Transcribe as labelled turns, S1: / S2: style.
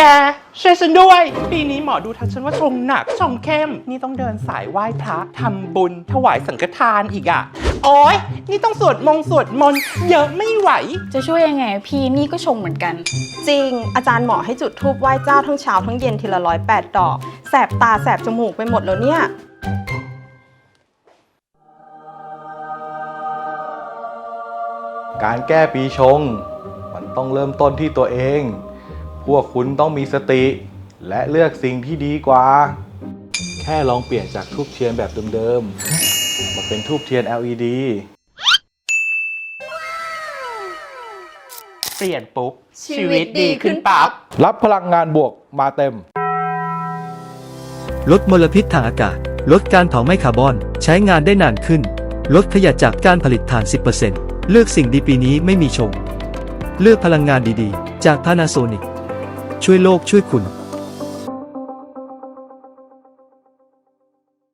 S1: กช่วยฉันด้วยปีนี้หมอดูทักฉันว่าชงหนักชงเข้มนี่ต้องเดินสายไหว้พระทำบุญถวายสังฆทานอีกอ่ะโอ๊ยนี่ต้องสวดมนต์เยอะไม่ไหว
S2: จะช่วยยังไงพี่นี่ก็ชงเหมือนกัน
S3: จริงอาจารย์หมอให้จุดธูปไหว้เจ้าทั้งเช้าทั้งเย็นทีละ108 ดอกแสบตาแสบจมูกไปหมดแล้วเนี่ย
S4: การแก้ปีชงมันต้องเริ่มต้นที่ตัวเองพวกคุณต้องมีสติและเลือกสิ่งที่ดีกว่าแค่ลองเปลี่ยนจากธูปเทียนแบบเดิมๆมาเป็นธูปเทียน LED
S1: เปลี่ยนปุ๊บชีวิตดีขึ้นปั๊บ
S4: รับพลังงานบวกมาเต็ม
S5: ลดมลพิษทางอากาศลดการเผาไหม้คาร์บอนใช้งานได้นานขึ้นลดขยะจากการผลิตถ่าน 10% เลือกสิ่งดีปีนี้ไม่มีชงเลือกพลังงานดีๆจาก Panasonic ช่วยโลกช่วยคุณ